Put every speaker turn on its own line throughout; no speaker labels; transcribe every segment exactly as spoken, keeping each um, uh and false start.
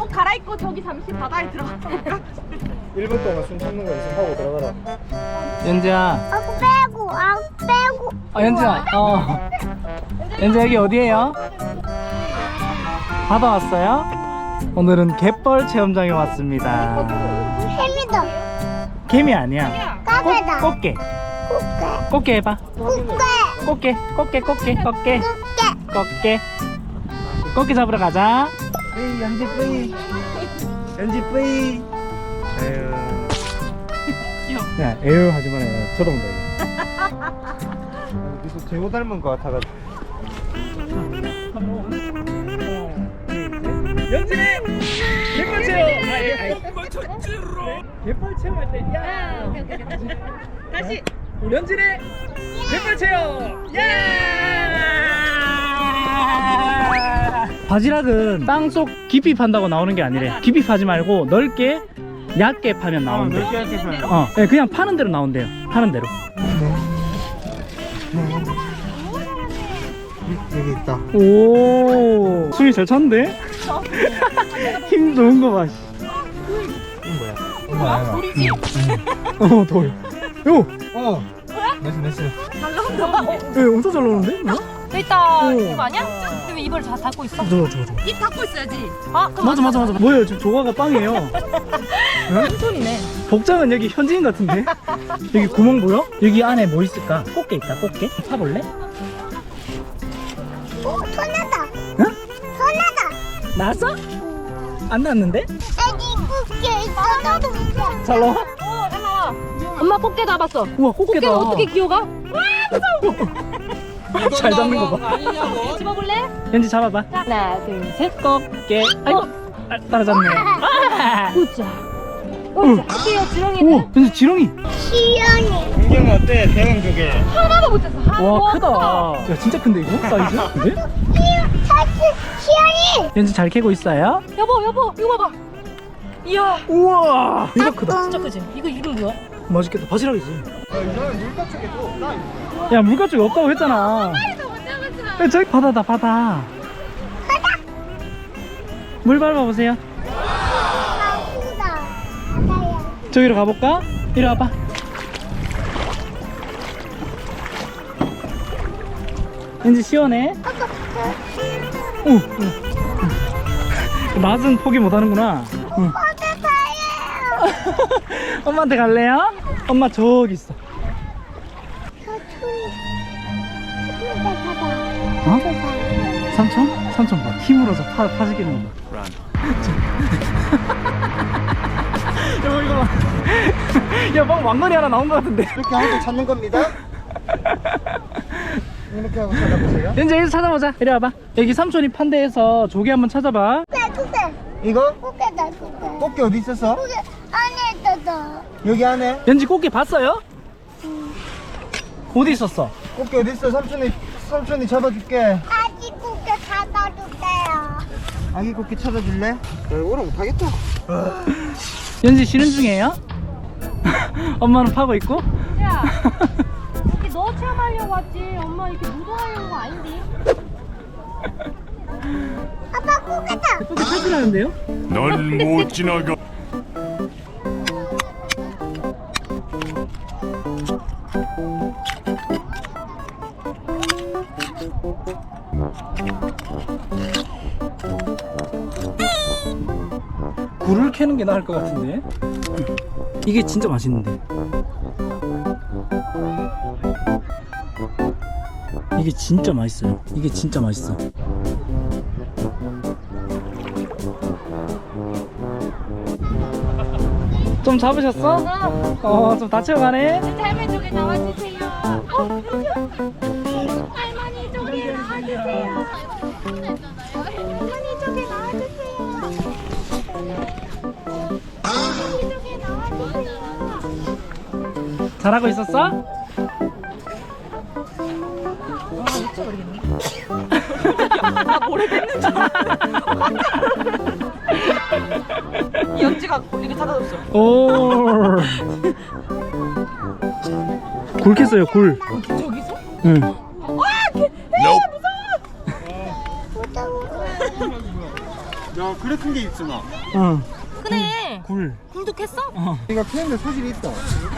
옷 갈아입고 저기 잠시 바다에 들어갔다 올까?
일 분 동안 숨 참는 거 연습하고 들어가라.
연지야.
아 빼고 아 빼고.
어, 연지야. 어. 연지 여기 어디예요? 바다 왔어요? 오늘은 갯벌 체험장에 왔습니다.
햄이다.
개미 아니야.
까개다.
꽃, 꽃게.
꽃게.
꽃게 해봐.
꽃게.
꽃게, 꽃게, 꽃게, 꽃게,
꽃게.
꽃게. 꽃게 잡으러 가자. 뿌이, 연지 뿌이. 연지 뿌이. 에휴. 야, 에휴 하지 마라. 쳐다본다 이거.
계속 재호 닮은 거 같아가지고.
연진이 갯벌 체험. 갯벌 체험할 때 야.
다시.
연진이 갯벌 체험. 야. 바지락은 땅속 깊이 판다고 나오는 게 아니래. 깊이 파지 말고 넓게 얕게 파면 나온대.
넓게 얇게 파요.
어, 네, 그냥 파는 대로 나온대요. 파는 대로.
여기 있다.
오, 숨이 잘 찼는데? 힘 좋은 거 봐.
이건 뭐야? 이거 뭐야?
돌이지?
어, 돌. 요,
어. 나이스 나이스.
방금 너가 어,
예, 엄청 잘 나오는데? 뭐야?
일단
오.
이거 아니야? 그럼 입을 다 닫고 있어?
저거, 저거, 저거.
입 닫고 있어야지. 아, 그럼
맞아, 맞아, 맞아. 뭐예요? 지금 조과가 빵이에요.
무슨 소리네.
복장은 여기 현지인 같은데? 여기 구멍 보여? 여기 안에 뭐 있을까? 꽃게 있다, 꽃게. 파볼래?
오 손나다.
응?
손나다.
나왔어? 안 나왔는데?
애기 꽃게 있어. 나도 있어.
잘 나와?
어, 잘 나와. 엄마 꽃게 잡았어.
우와, 꽃게다.
꽃게는 어떻게 기어가?
잘 잡는 거 봐.
집어볼래?
현지 잡아봐.
자, 하나, 둘, 셋.
꽃게. 아이고, 아, 따라잡네. 아!
보자.
어.
어때요, 지렁이는?
우와, 현지 지렁이.
시연이.
풍경 어때? 대형 조개.
하나도 못 쳤어. 하-
와,
우와,
크다. 야, 진짜 큰데, 이거? 사이즈? 근데?
사실 시연이.
현지 잘 캐고 있어요?
여보, 여보, 이거 봐봐. 이야,
우와, 이거 크다.
진짜 크지? 이거 이름 뭐야?
맛있겠다. 바지락이지.
아, 이거는 물가 쪽에 또 따 있어.
야, 물가 쪽에 없다고 했잖아. 야, 저기 바다다, 바다. 물 밟아보세요.
맛있다. 바다야.
저기로 가볼까? 이리 와봐. 왠지 시원해. 오, 오. 맛은 포기 못하는구나. 응.
어디 가요?
엄마한테 갈래요? 엄마 저기 있어.
사촌이. 사촌이 가봐.
어? 삼촌? 삼촌 봐. 힘으로 저 파, 파지기는 거 봐. 여보 이거 봐. 야, 막 왕건이 하나 나온 거 같은데.
이렇게 하고 찾는 겁니다. 이렇게 하고 찾아보세요.
이제 여기서 찾아보자. 이리 와봐. 여기 삼촌이 판대에서 조개 한번 찾아봐.
나 그게.
이거?
꽃게다 그게.
꽃게 어디 있었어?
그게 안에 있었어.
여기 안에?
연지 꽃게 봤어요? 어디 있었어?
꽃게 어디 있어? 삼촌이 삼촌이 잡아줄게.
아기 꽃게 잡아줄게요.
아기 꽃게 찾아줄래? 나 오라 못하겠다.
연지 쉬는 중이에요? 엄마는 파고 있고?
야, 이렇게 너 체험하려고 왔지. 엄마 이렇게 무도하려고 아닌데.
아빠 꽃게다.
꽃게 찾으라는데요?
넌 못 지나가.
굴을 캐는 게 나을 것 같은데. 이게 진짜 맛있는데. 이게 진짜 맛있어요. 이게 진짜 맛있어. 좀 잡으셨어? 어, 좀 다쳐가네.
할머니 쪽에 나와주세요. 어, 할머니 쪽에 나와주세요. 할머니 쪽에 나와주세요. 할머니 쪽에 나와주세요.
잘하고 있었어?
나 모르겠는 줄 연지가 이렇게 닫아줬어.
오. 굴 캤어요, 굴.
저기서?
응.
무서워.
야 그래 큰 게 있으나.
어.
그래.
굴.
굴도 캤어?
어.
네가 키우는데 소질이 있다.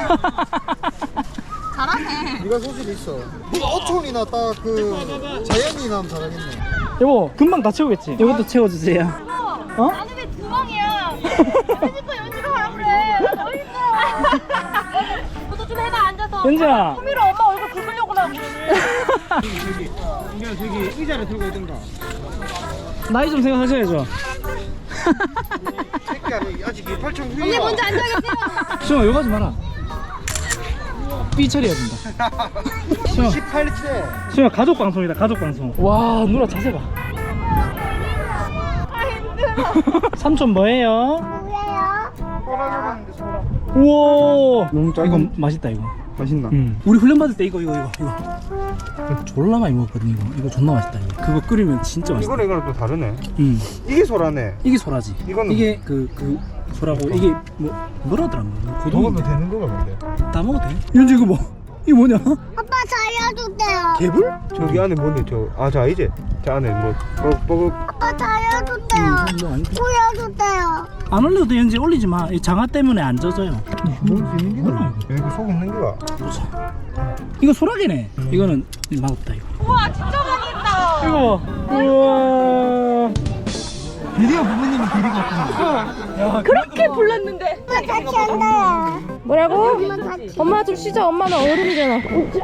잘하네.
네가 소질이 있어. 네가 어촌이나 딱 그 자연이 나면 잘하겠네.
여보, 금방 다 채우겠지? 이것도 채워주세요. 어?
나는 왜 두방이야? 그러니까 연지가 하라 그래. 나 더 힘들어. 너도 좀 해봐 앉아서.
연지야.
소미로 엄마 얼굴 긁으려고 나 오늘.
저기 저기. 그냥 저기 의자를 들고 있던가.
나이 좀 생각하셔야죠.
새끼야 아직 팔천 후이야.
언니 먼저 앉아겠어요.
수영아, 욕 하지 마라. 삐 처리해야 된다. 수영아,
십팔 세.
수영아, 가족 방송이다, 가족 방송. 와, 누나 자세 봐.
아 힘들어.
삼촌 뭐예요?
뭐예요?
소라잡았는데 소라.
우와.
너무 작은-
이거 맛있다, 이거.
맛있나?
응. 우리 훈련 받을 때 이거, 이거, 이거, 이거. 이거 졸라 많이 먹었거든, 이거. 이거 존나 맛있다, 이거. 그거 끓이면 진짜 맛있다.
이거랑 이거랑 또 다르네.
응.
이게 소라네.
이게 소라지.
이거는
이게 그, 그, 소라고, 이게 뭐, 뭐라더라, 뭐. 고등인데.
되는 거가 근데.
다 먹어도 돼? 연지 이거 뭐? 이거 뭐냐?
아빠 살려주세요.
개불?
저기 안에 뭔데 저? 아 자 이제 저 안에 뭐 뻐벅
아빠 살려주세요.
이거 아닌데?
보여주세요.
안 올려도 돼, 연지 올리지 마. 이 장화 때문에 안 젖어요.
먹을 수 있는 게가 여기 속 있는 게가.
보자. 이거 소라게네. 이거는 맛없다, 이거.
우와 진짜 많이 있다.
이거 봐. 우와.
드디어 부모님이 데리고 왔구나.
야,
그렇게 불렀는데.
엄마 같이 한다.
뭐라고?
엄마 같이.
엄마 좀 쉬자. 엄마는 어른이잖아.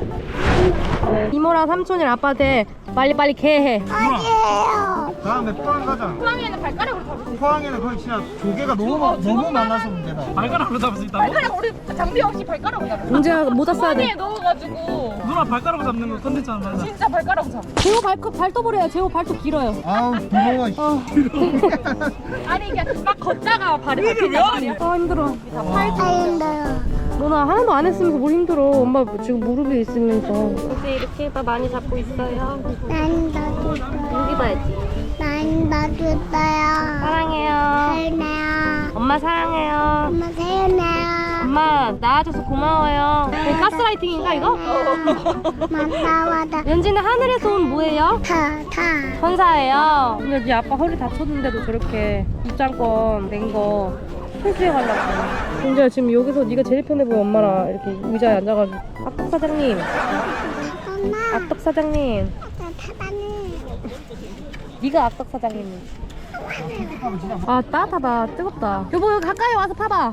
이모랑 삼촌이랑 아빠한테 빨리빨리 개해.
아니에요.
다음에 포항 가자.
포항에는 발가락으로 잡을 수 있어.
포항에는 거의 진짜 조개가 너무 많- 너무 많아서 문제다.
발가락으로 잡을 수 있다고?
발가락 우리 장비 없이 발가락으로 잡아. 공재야 모자 써야 돼. 넣어가지고
누나 발가락으로 잡는 거 컨텐츠 하나 만나.
진짜 발가락으로 잡아. 제호 발톱 발톱으로 해요. 제호 발톱 길어요.
아우 부러워.
어. 아니 이게 막 걷다가 발이 밟히냐 말이야. 아 힘들어.
아 힘들어.
너나 하나도 안 했으면서 뭘 힘들어. 엄마 지금 무릎이 있으면서. 이제 이렇게 봐 많이 잡고 있어요.
난 놔줬어요.
여기 봐야지.
난 놔줬어요.
사랑해요.
사랑해요.
엄마 사랑해요.
엄마 사랑해요.
엄마 나와줘서 고마워요. 이거 가스라이팅인가 이거?
맞다 맞다.
연지는 하늘에서 온 뭐예요?
타 타.
천사예요. 근데 네 아빠 허리 다쳤는데도 저렇게 입장권 낸 거 풀수행하려고. 근데 지금 여기서 네가 제일 편해 보여. 엄마랑 이렇게 의자에 앉아가지고. 악덕 사장님,
엄마.
악덕 사장님.
나 타다니.
네가 악덕 사장님. 아 따뜻하다. 뜨겁다. 여보 여기 가까이 와서 파봐.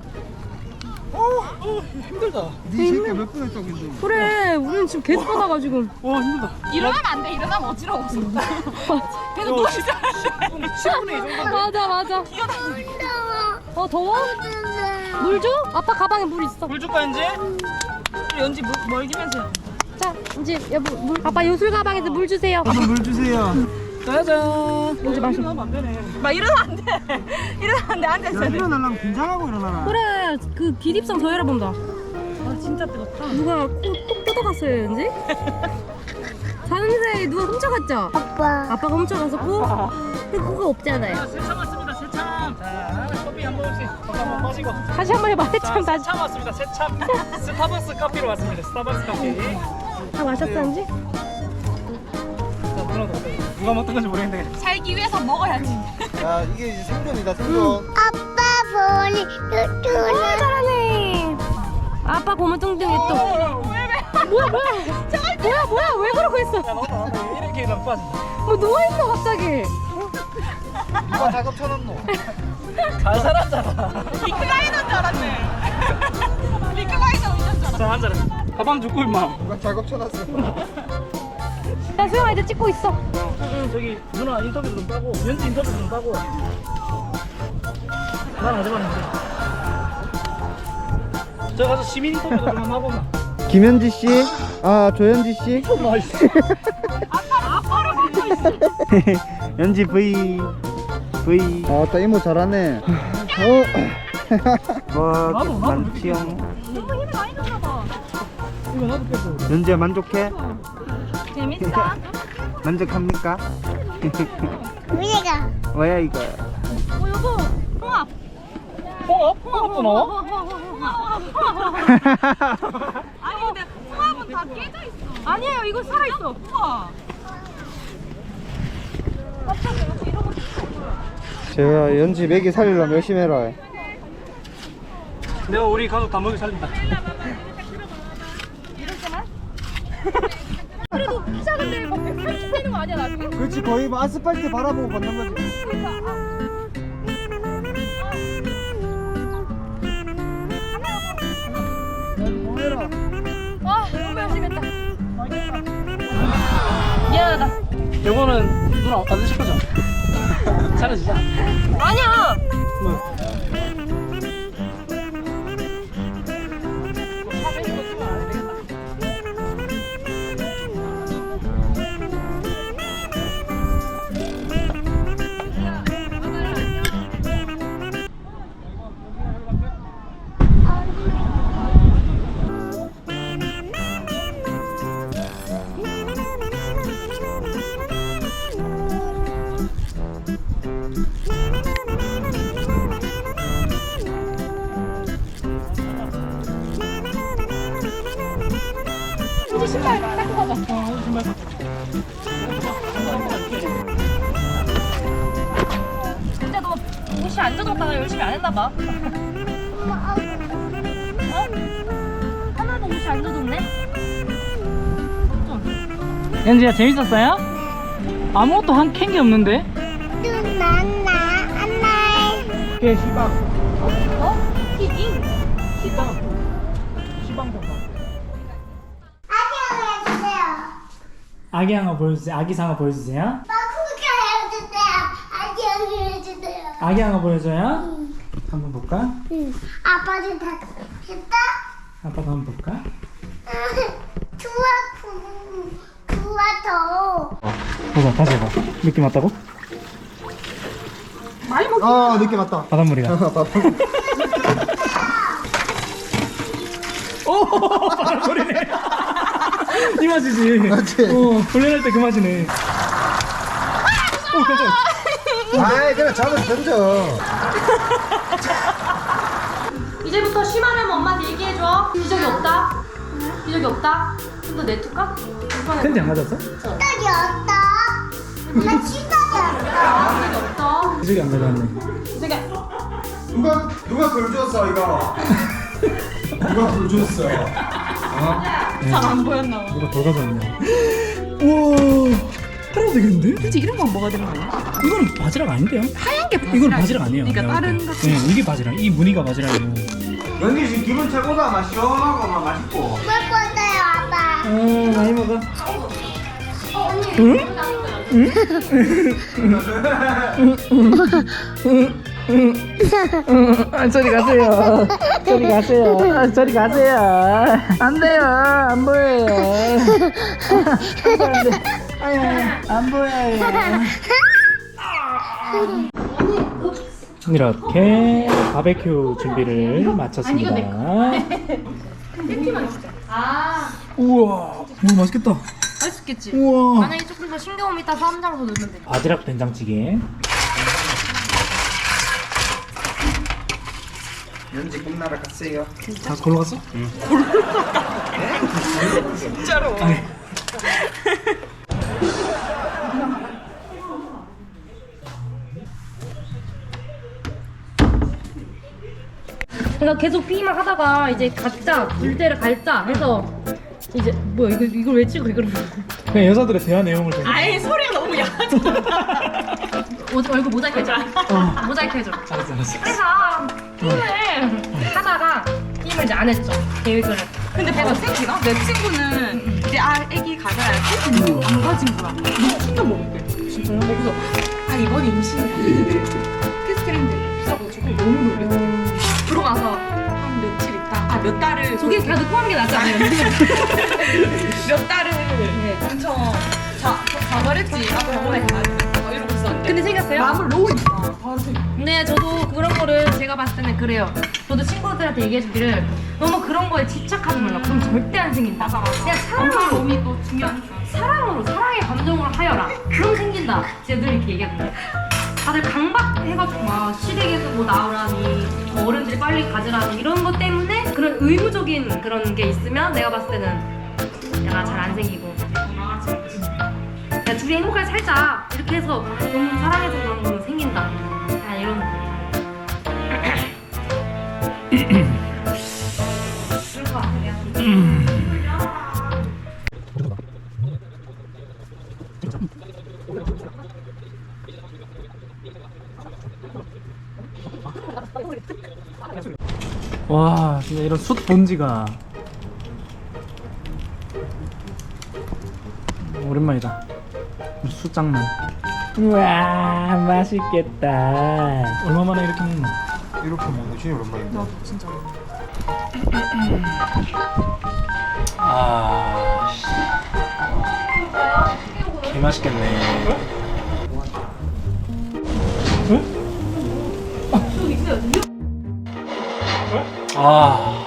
힘들다.
네 새끼 몇 분 했다고 했는데.
그래 우리는 지금 계속 하다가 지금.
와, 힘들다.
일어나면 안 돼. 일어나면 어지러워. 계속 누워있어.
십 분에 이 정도.
맞아 맞아. 어 더워? 물 줘? 아빠 가방에 물 있어.
물 줄까, 연지? 연지 물, 멀기면서.
자 이제 여보 물. 아빠 요술 가방에서 물 주세요.
저도 물 주세요.
짜잔.
연지 마셔.
일어나면 안 되네.
막 일어나면 안 돼. 일어나면 안 돼. 앉아
야
있어야 돼.
일어나려면 긴장하고 일어나라.
그래 그 기립성 저혈압 온다. 아 진짜 뜨겁다. 누가 코똑 뜯어갔어요 연지? 자는 사이에 누가 훔쳐갔죠?
아빠.
아빠가 훔쳐가서 코? 근데 코가 없잖아요.
세참 왔습니다, 세참. 자, 커피 한 모금씩 한번 마시고.
다시 한 번 해봐.
자,
해참 다시.
세참 왔습니다, 세참. 스타벅스 커피로 왔습니다, 스타벅스 커피.
다 마셨어 연지?
자, 누나 누가 먹던 건지 모르겠는데.
살기 위해서 먹어야지.
야 이게 이제 생존이다 생존.
아빠 보니
와
뚜뚜나.
잘하네. 아빠 고무 뚱뚱이 또. 왜 왜? 뭐야 뭐야? 뭐야 뭐야 왜 그러고 있어?
야, 너도 나도 이렇게 일하면 빠진다.
뭐 누워 있어 갑자기.
누가 작업 쳐놨노?
잘 살았잖아.
리크라이너인 줄 알았네. 리크라이너 운전 줄 알았네.
자, 앉아라. 가방 줍고, 임마.
누가 작업 쳐놨어?
야 수영아 이제 찍고 있어.
응, 저기 누나 인터뷰 좀 따고, 연지 인터뷰 좀 따고. 난 안 해봤는데. 저 가서 시민 인터뷰도 좀 한번 하고 나.
김현지 씨, 아 조현지 씨.
나이스.
아빠를 믿고 있어.
연지 V V. 아, 따 이모 잘하네. 어. 와,
나도, 나도
만취형.
너무 힘이 많이 들어가 봐.
이거 나도 빼고.
연지야 만족해?
재밌다.
만족합니까?
우리가.
뭐야 이거?
어 여보 홍합.
홍합? 홍합도 나와?
아니 근데 홍합은 다 깨져 있어. 아니에요 이거 살아 있어. 우와. 깜짝이야 이런 거
제가 연지 먹이 살리려면 열심히 해라.
내가 우리 가족 다 먹여 살린다.
그래도 키 작은데 막 백팔십 되는 거 아니야 나중에?
그렇지, 거의 뭐 아스팔트 바라보고 걷는 거지. 뭐해라.
아 너무 열심히 했다. 미안하다.
요거는 누나 안 드실 거죠? 잘해주자.
아니야.
뭐?
이제 신발 닦고 가자. 진짜 너 옷이 안 젖었다가 열심히 안 했나 봐. 어? 하나도 옷이 안 젖었네?
연지야 재밌었어요? 아무것도 한 캔 게 없는데?
눈난나 안나이.
꽤 시방.
어? 티빙?
시방. 시방 정도.
안녕 해주세요.
아기 상어 보여주세요. 아기 상어 보여주세요.
마쿠가 해주세요. 안녕 해주세요.
아기 상어 보여줘요. 한번 볼까?
응. 아빠도 다 했다.
아빠도 한번 볼까?
좋아, 좋아 더.
보자 다시 해봐. 느낌 왔다고?
아, 늦게 왔다.
바닷물이야. 오 바닷물이네. 이 맛이지.
맞지?
어 훈련할 때 그 맛이네. 오 깜짝이야.
아이, 그래, 잡아 던져.
이제부터 쉬마려면 엄마한테 얘기해줘. 기적이 없다. 기적이 없다. 좀 더 내둘까?
텐지 안 맞았어?
떡이 없다. 나 치떡이 없다.
기적이 없어.
기적이 안 가져왔네.
기적이
누가, 누가 돌 줬어, 이거? 누가 돌 줬어?
잘안 보였나 봐.
누가 돌 가져왔네. 우와 팔아도 되겠는데?
그치 이런 건 뭐가 되는 거야?
이거는 바지락 아닌데요?
하얀 게 바지락.
이건 바지락 아니에요.
그러니까
내가
다른
볼 때.
거.
네, 이게 바지락. 이 무늬가 바지락이고.
연기 씨 기분 최고다. 막 시원하고 막 맛있고.
먹고 있어요, 아빠.
어 많이 먹어. 아, 저리 가세요. 저리 가세요. 아, 저리 가세요. 안 돼요. 안 보여요. 안 돼. 아유, 안 보여요. 이렇게 바베큐 준비를 마쳤습니다.
아,
우와, 너무 맛있겠다.
맛있겠지?
우와.
만약에 조금 더 싱거우면 이따 쌈장 더 넣으면 돼.
바지락 된장찌개.
연지 꿈나라 갔어요.
다 걸러 갔어? 응.
진짜로.
그러니까 계속 피기만 하다가 이제 각자 불때를 갈자 해서 이제 뭐야 이거 이걸 왜 찍어 이걸
그냥 여자들의 대화 내용을 좀.
아예 소리가 너무 약하잖아.
얼굴 모자이크 해줘.
어.
모자이크 해줘.
알았어, 알았어.
그래서 게임을 하다가 게임을 이제 안 했죠. 계획을.
근데 내가 생기나? 내 친구는 내 아, 애기 가져야 돼. 안 가진 거야. 너무 충격 먹었대. 진짜요? 그래서 아 이번 임신이야. 테스트링들 비싸가지고 너무 놀랬대. 들어가서 한 며칠 있다. 아 몇 달을
저게 그냥 넣고 하는 게 낫지 않아요?
몇 달을 엄청 자 좌절했지. 아 병원에 가야 돼. 막 이러고 있었는데.
근데 생겼어요?
마음을 놓으니까 바로 생겨.
근데 저도 그런 거를 제가 봤을 때는 그래요. 저도 친구들한테 얘기해주기를 너무 그런 거에 집착하지 말라. 그럼 절대 안 생긴다. 그냥 사랑으로
몸이 또 중요한.
사랑으로 사랑의 감정으로 하여라. 그럼 생긴다. 제가 늘 이렇게 얘기하거든요. 다들 강박해가지고 막 시댁에서 뭐 나오라니 뭐 어른들이 빨리 가지라니 이런 것 때문에 그런 의무적인 그런 게 있으면 내가 봤을 때는 약간 잘 안 생기고 야 둘이 행복하게 살자 이렇게 해서 너무 사랑해서 그런 거는 생긴다.
와 진짜 이런 숯 본지가 오랜만이다. 숯장난. 우와 맛있겠다. 얼마 만에 이렇게 먹노?
이렇게 먹는 진짜 오랜만인데.
진짜.
아 개 맛있겠네. 아.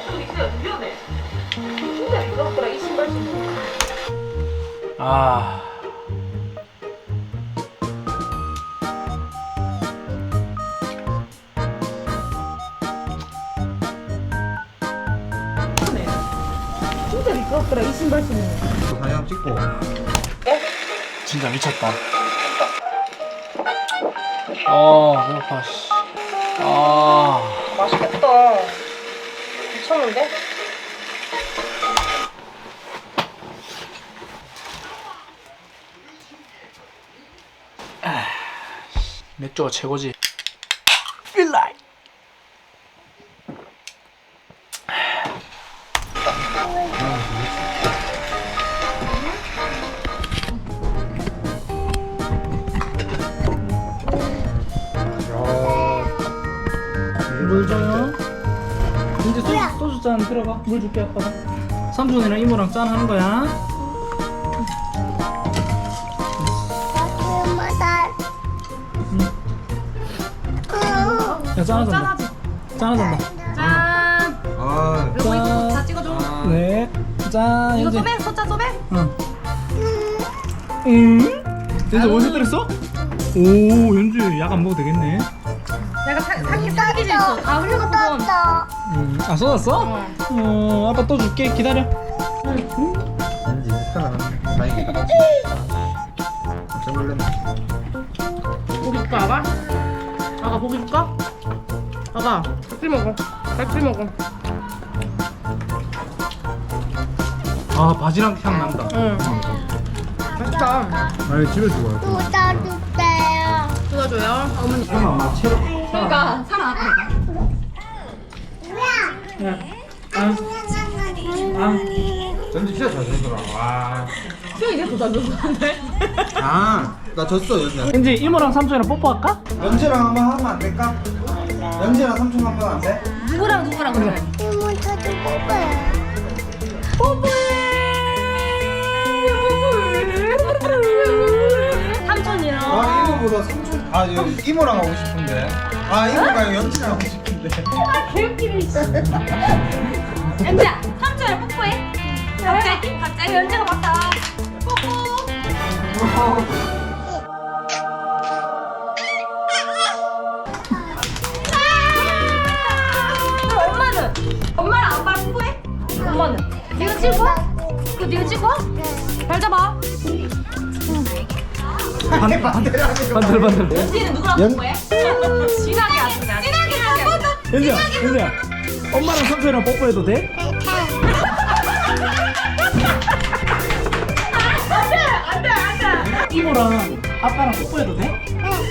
아.
진짜 미끄럽더라 이 신발 신으면.
사진 한번 찍고.
진짜 미쳤다. 아, 배고파, 씨. 아.
맛있겠다. 미쳤는데?
맥주가 최고지. Feel like. 물 줘요. 이제 소주, 소주 잔 들어가. 물 줄게 아빠가. 삼촌이랑 이모랑 짠 하는 거야. 야 짠하잔다. 짠하잔다.
짠.
아,
요거 이거 다 찍어줘.
네. 짠.
이거
이제.
소매, 소자 소매.
응. 응? 연주 어디서 때렸어? 오 연주 약 안 먹어도 되겠네.
내가 사, 사기 사기질 있어. 다 흘려갖고 돈.
음, 아 쏟았어? 어 아빠 또 줄게 기다려.
왠지 스타나 다행이다. 깜짝 놀랐네.
고기 줄까 아가? 아가 고기 줄까? 아가 같이 먹어. 같이 먹어.
아 바지락 향 난다.
응. 맛있다.
아니 집에 두고 와.
쏟아주세요.
뜯어줘요. 어머니.
설마 막 채로.
그러니까 살아났다 이거.
야. 아. 아.
전지 진짜 잘 되더라. 와.
수영이 이제 도잘 줬는데.
아, 나 졌어 연지.
이제 이모랑 삼촌이랑 뽀뽀할까?
연지랑 한번 하면 안 될까? 연지랑 삼촌 한번 안 돼?
누구랑 누구랑 그래?
이모 저도 뽑아요.
삼촌이랑.
아 이모보다 삼촌. 아 여기 이모랑 하고 싶은데. 아 이모가 연지랑 하고 싶은데.
연지야, 삼촌이랑 뽀뽀해. 갑자기 갑자기 연지가 맞다. 뽀뽀. 그럼 엄마는? 엄마랑 아빠랑 뽀뽀해? 엄마는? 네가 찍어? 그거 네가 찍어? 발 잡아.
반대 반대라고.
반들 반들.
연지는 누구랑
연-
뽀뽀해? 진하게 하자. 진하게 하자.
연주야 연주야. 엄마랑 삼촌이랑 뽀뽀해도 돼? 이모랑 아빠랑 뽀뽀해도 돼?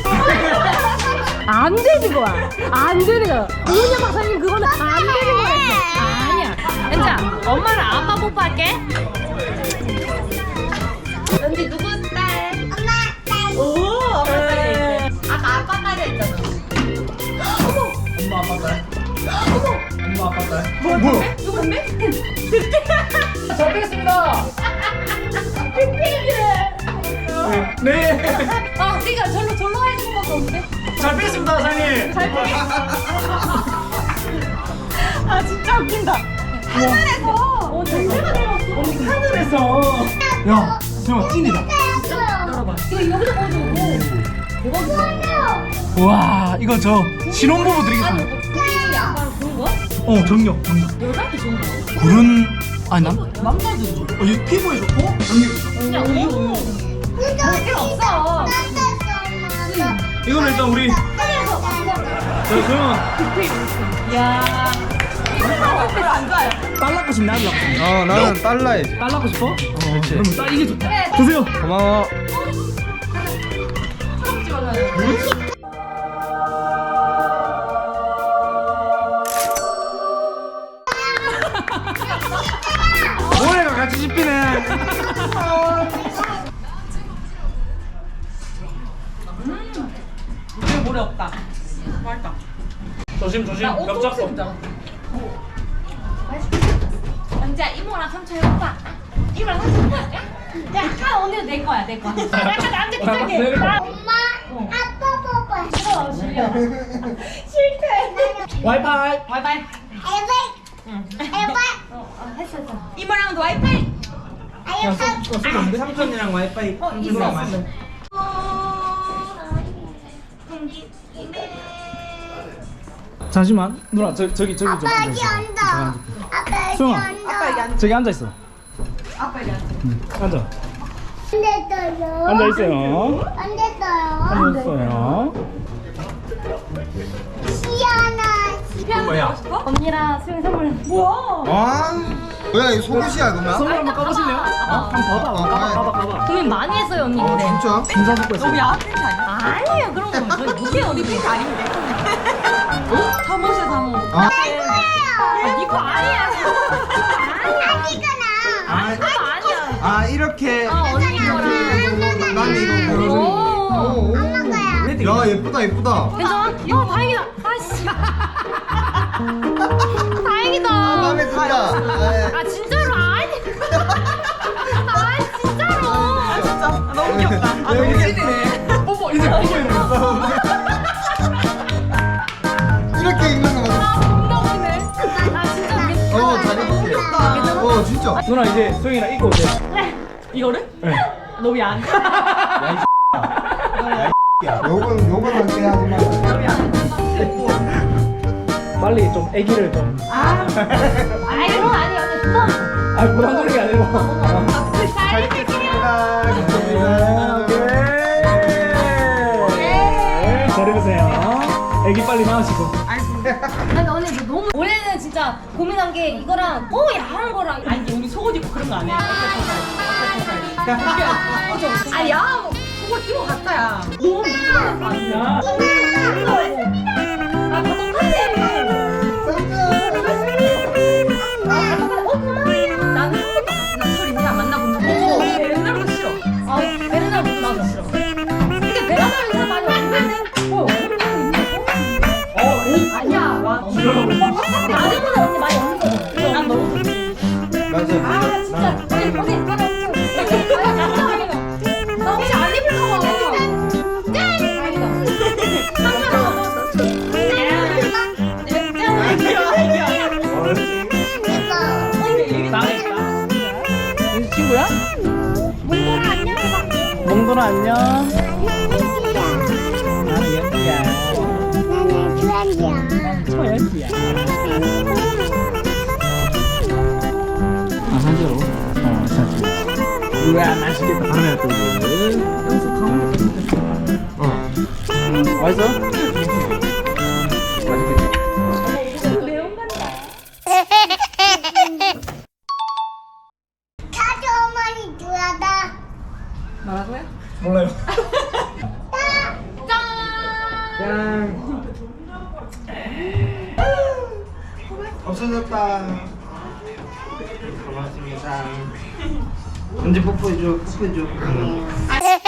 안 되는 거야. 안 되는 거야. 우은영 박사님 그거는 안 되는 거였어. 아니야. 연자, 엄마랑 아빠 뽀뽀할게. 연지 누구 딸?
엄마 딸.
오, 아빠 딸이 있어. 아까 아빠 딸이 있잖아.
엄마 아빠 딸. 엄마 아빠 딸.
뭐 뭐야?
누군데?
잘 뵙겠습니다. 네.
아, 그러니까 절로 절로 해주는 것도 없는데?
잘 뵙겠습니다 사장님.
잘 보게. 아, 진짜 웃긴다. 하늘에서. 어, 정말 내려왔어.
하늘에서. 야, 정말 찐이다.
열어봐. 이거 여기서 보여주고. 대박이다.
와, 이거 저 신혼부부 드리겠습니다.
우리 아빠랑 좋은 거야?
어, 정력, 정력.
여자한테 좋은 거야?
굴은 아니 남.
남자도 좋은
어, 이 피부에 좋고 정력.
그냥 우유 우유. 뭐 필요 없어.
이거는 일단 우리
하늘에서
저 소영아
야.
별로 안 좋아요.
딸 낳고 싶네 아들 낳고 싶네
어 나는 딸라야지.
딸 낳고 싶어? 어 그럼 딸 이게 좋다 드세요
고마워. 모래가 같이 씹히네.
이거 모래 없다. 맛있다.
조심 조심 벽 잡고
영지야 이모랑 삼촌 해볼까? 이모랑 삼촌 해볼까? 야, 아 오늘 내 거야 내 거야. 약간 나한테 비슷하게.
엄마, 아빠 뽀뽀.
싫어 싫려.
싫대.
와이파이
와이파이.
에베. 에베.
했어 했어.
이모랑도 와이파이.
아유, 사.
삼촌이랑 와이파이
어 있어.
잠시만 누나 저, 저기 저기 좀
아빠
앉아
여기
있어
앉아. 아빠 여기
수영아.
앉아.
아빠 여기 앉아.
저기 앉아 있어
아빠 여기 앉아.
응. 앉아
안 됐어요.
앉아 있어요
안 됐어요.
앉아 있어요
시원하.
뭐야
언니랑 수영 선물. 뭐야?
아 뭐야 이 속옷이야 그러면?
선물 한번 까보실래요? 어? 한번 봐봐
어,
까봐
네.
까봐 까봐
고민 많이 했어요 언니.
어
근데.
진짜?
진짜 듣고 있어
너무 야한 팬티 아니야?
아니에요 그런 거. 저희 무게
우리
어디
팬티 아닌데. 어? 잠옷이야 잠옷.
아,
아, 니거 아니야.
아니잖아.
아,
그거 아니야.
아 이렇게
어 언니 거랑.
난 이거
오.
야 예쁘다 예쁘다.
괜찮아? 어 다행이다. 아씨. 다행이다.
아 마음에 든다. 아,
아 진짜로 아니. 아 진짜로.
아 진짜 아, 너무 귀엽다. 아 너무 찐이네.
뽀뽀 이제 뽀뽀 이러면서
이렇게 입는 거 맞아.
존나 웃기네. 아 진짜 우리.
어잘 입을게. 어 진짜.
누나 이제 소영이랑 입고 오세요
이거를?
네.
너무 야한.
야 요건 요건 함께 하지 마.
빨리 좀 애기를 좀
아 이런 거 아니에요. 언니 또.
아 부담 걸리게 아니고
잘 입을게요.
네, 잘 입으세요 애기 빨리 나으시고
아니 언니 이거 너무. 원래는 진짜 고민한 게 이거랑 또 야한 거랑.
아니 우리 속옷 입고 그런 거 안 해. 그죠? 아니 야 뭐, 속옷 입어 갔다야.
너무 무서운 거 아니야? 아, 다 똑같네. 나는 한 번도 안 소리냐 만나본 적 없어.
옛날부터 싫어.
아, 베르나보다 나도 싫어. 근데 베르나는 사 많이 없는데? 어,
어?
아니야. 와, 너무 나중보다 언니 많이 없는 거. 난 너무 좋지.
맞아.
아, 진짜. 언니, 언니, 하나 없어. 아, 진짜 아니다. 나 혹시 안 입을까 봐. 아니다. 상관없어.
이 친구야?
몽골아 안녕 해봐.
몽돌아 안녕
나는 연기야.
나는 연기야
나는 주연이야.
초연기야 아 산지로? 어 산지 우와 맛있겠다 하나 둘 여기서 가운데 어 맛있어? 맛있겠다
사주 어머니 좋아하다.
뭐라고요?
몰라요
짠. 없어졌다. 고맙습니다. 언제 뽀뽀해줘, 뽀뽀해줘.
아,